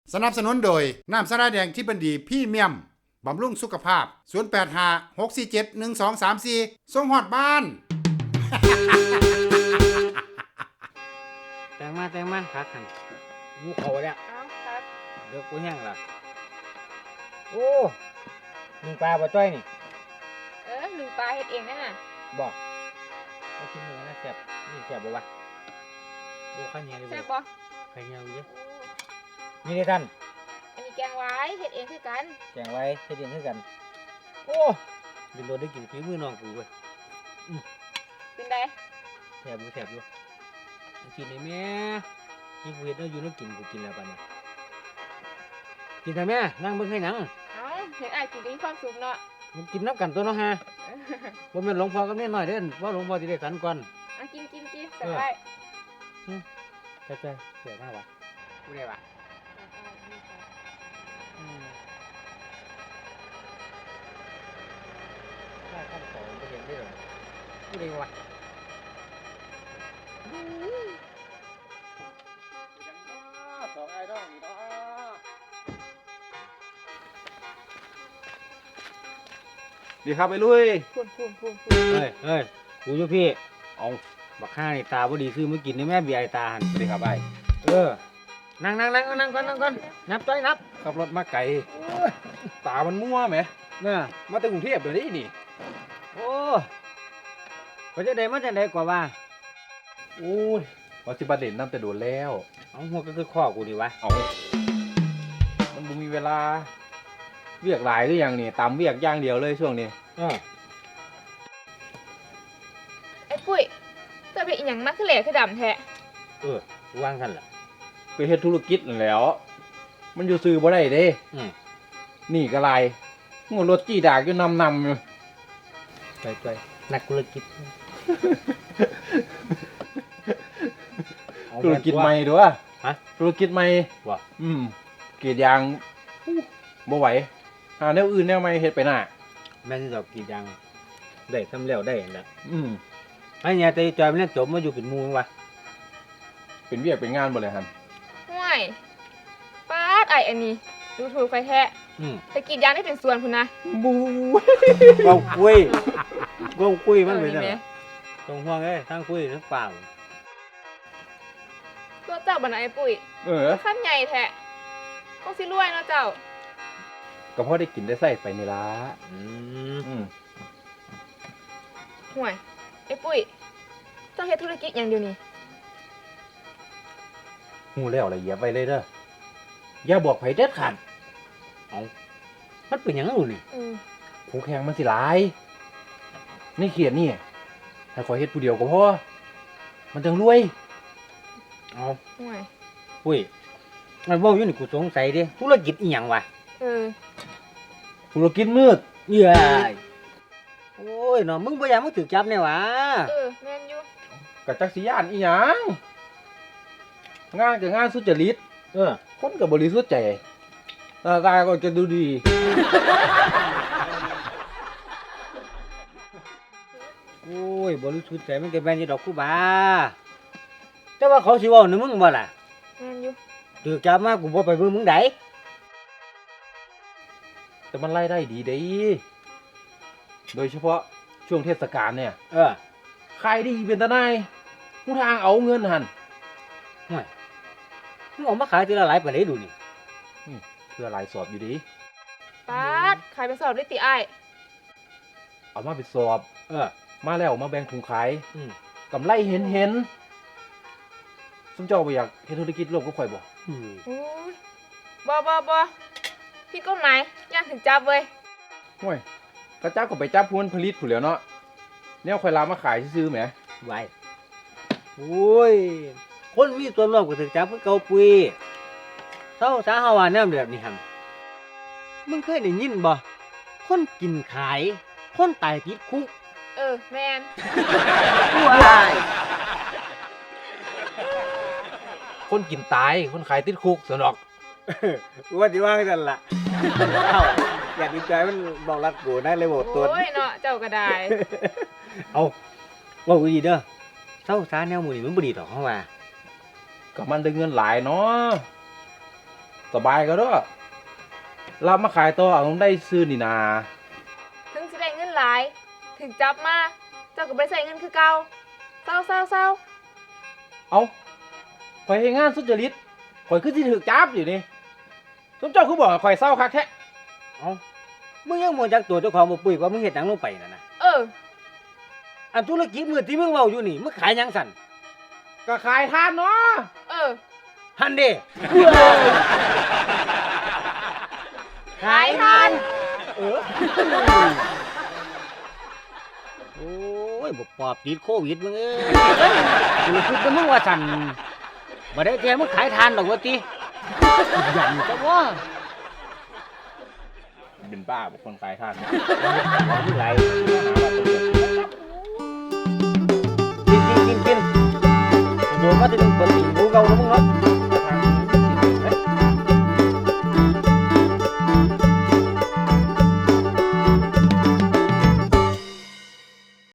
สนับสนุนโดยน้ำสาระแดงที่บันดีพรีเมียมบำรุงสุขภาพ0856471234ส่งฮอดบ้านแต่งมาคักขันมูเขาเนี่ยเอาครับเลือกกูแห้งละโอ้มึงปลาปลาจ้อยนี่หนึ่งปลาเฮ็ดเองนั่นน่ะบอกเอาชิ้นหนึ่งนะแซ่บนี่แซ่บบ่วะดูข้าวเหนียวเลยแซ่บบ่บ่ข้าวเหนียวเยอะโอ้นี่เลยท่านอันนี้แกงไว้เฮ็ดเองคือกันแกงไว้ให้เดียนให้กัน โอ้ดินโดนได้กินฝีมือน้องกูเว้ยเป็นไดแซ่บอยู่กินได้แม่กินกูเห็ดแล้วอยู่แล้วกินกูกินแล้วปะเนี่ยกินได้แม่นั่งเบิ่งให้หนังเอาเห็นอ้ายกินก็มีความสุขเนาะมันกินน้ำกันตัวเนาะฮะบ่แม่นหลวงพ่อกับแม่น้อยเด้อว่าหลวงพ่อสิได้สันก่อนเอากินสบายใช่เสียมากวะกูได้วะได้ขั้นสองไปเห็นได้หรอกูได้วะสองไอ้ดองนี่เนาะดีครับไอ้ลุยพูนเฮ้ยกูอยู่พี่เอาบักข้านี่ตาบ่ดีซื้อมากินในแม่เบียร์ไอ้ตาหันสวัสดีครับไอ้นั่งก่อนนับจ้อยนับขับรถมาไกลตามันมั่วไหมเนี่ยมาจากกรุงเทพเดี๋ยวนี้นี่โอ้มาจากใดกว่าว่าโอ้ยว่าสิบาเด่นน้ำแต่โดนแล้วเอาหัวก็คือข้อกูดีวะเอามันบ่มีเวลาเวียกหลายหรือยังนี่ตามเวียกอย่างเดียวเลยช่วงนี้ไอ้ปุ้ยเจ้าเป็นอีหยังมาคือแหล่คือดำแท้วางกันล่ะไปเฮ็ดธุรกิจนั่นแหล้ว มันอยู่ซื้อบ่ได้เด้ นี่ก็ไรหัวรถจี้ดากอยู่นำอยู่จ้อยนักธุรกิจธุรกิจใหม่ด้วยฮะธุรกิจใหม่ว่ะกรีดยางบ่ไหวหาแนวอื่นแนวใหม่เฮ็ดไปหน้าแม่นดอกกี่ยังได้ทำแล้วได้แล้ว ไอ้เนี่ยแต่จอยมันเล่นจบมาอยู่เป็นหมูวะเป็นเวียกเป็นงานบ่เลยฮันห่วยป๊าดไอ้อันนี้ดูถูกไฟแท้แต่กรีดยางได้เป็นส่วนพุ่นนะบูกองคุยมันเป็นแหอะไรมตรงห่วงทั้งคุยทั้งเปล่าตัวเจ้าบ่นะไอ้ปุ้ยขั้นใหญ่แท้คงสิรวยเนาะเจ้าก็พอได้กินได้ใส่ไปนี่ล่ะห่วยไอ้ปุ้ยเจ้าเฮ็ดธุรกิจอย่างเดียวนี้ฮู้แล้วละเหยียบไว้เลยเด้ออย่าบอกไผเด็ดขาดมันเป็นหยังรู้นี่คู่แข่งมันสิหลายในเขียนนี่ให้ขอยเฮ็ดผู้เดียวก็พอมันจังรวยเอาห่วยคุยมันบอกอยู่นี่กูสงสัยดิธุรกิจอีหยังวะธุรกิจมืดเย้ยโอ้ยเนาะมึงบ่อยากมึงถูกจับแน่วะแม่นอยู่กับจักสิยานอีหยังงานกับงานสุจริตคนกับบริสุทธิ์ใจหน้าตาก็จะดูดีโอ้ยบริสุทธิ์ใจมันก็แม่นอยู่ดอกกูบาแต่ว่าเขาสิเว้าในมึงบ่ล่ะแม่นอยู่ถูกจับมากูบ่ไปเบิ่งมึงไดแต่มันรายได้ดีเด้โดยเฉพาะช่วงเทศกาลเนี่ยขายดีเป็นตาหนายผู้ทางเอาเงินหันห่วยมึงเออกมาขายทีละหลายปานใดดูนี่เพื่อหลายสอบอยู่ดีป๊าดขายไปสอบได้ติอ้ายเอามาไปสอบมาแล้วมาแบ่งถุงขายกำไรเห็นสมเจ้าบ่อยากเฮ็ดธุรกิจร่วมกับข่อยบ่โอ้ยบ่ผิดกฎหมายย่านถึงจับเว้ยห่วยกระจับก็ไปจับผู้ผลิตผู้แหล้วเนาะแนวข่อยลามาขายซื่อๆแหมไว้โอ้ยคนมีส่วนร่วมก็ถูกจับคือเก่าปุ้ยเฮาสาเฮาว่าแนวแบบนี้หั่นมึงเคยได้ยินบ่คนกินขายคนตายติดคุกแม่นว้ายคนกินตายคนขายติดคุกสนอกว่าสิว่าจังล่ะเอ้าอยากดีใจมันบอกรักกูได้เลยบ่ตัวโอ้ยเนาะเจ้าก็ได้เอาว่ากูดีเด้อเศร้าสาแนวหมู่นี่มันบ่ดีดอกเฮาว่าก็มันได้เงินหลายเนาะสบายก็เด้อรับมาขายต่อเอาได้ซื้อนี่นาถึงสิได้เงินหลาย ถึงจับมา เจ้าก็บ่ได้ใส่เงินคือเก่าเศร้าเศร้าเศร้าเอาข่อยเฮ็ดงานสุจริตข่อยคือสิถูกจับอยู่นี่สมเจ้าคือบอกให้ข่อยเศร้าคักแท้เอ้ามึงยังบ่จักตัวเจ้าของบ่ปุ้ยว่ามึงเฮ็ดหยังลงไปนั่นน่ะเอออันธุรกิจมือที่มึงเว้าอยู่นี่มึงขายหยังสั่นก็ขายทานเนาะเออหันเด้ขายทานเออโอ้ยบ่ปอบติดโควิดมึงเอ้ยกูคิดว่ามึงว่าสั่นบ่ได้แท้มึงขายทานดอกว่าติยันซะว่าเป็นบ้าบุคคลขายทานมึงไหล กินโดนมาถึงเปิดตีนกูเก่าแล้วมึงเนาะ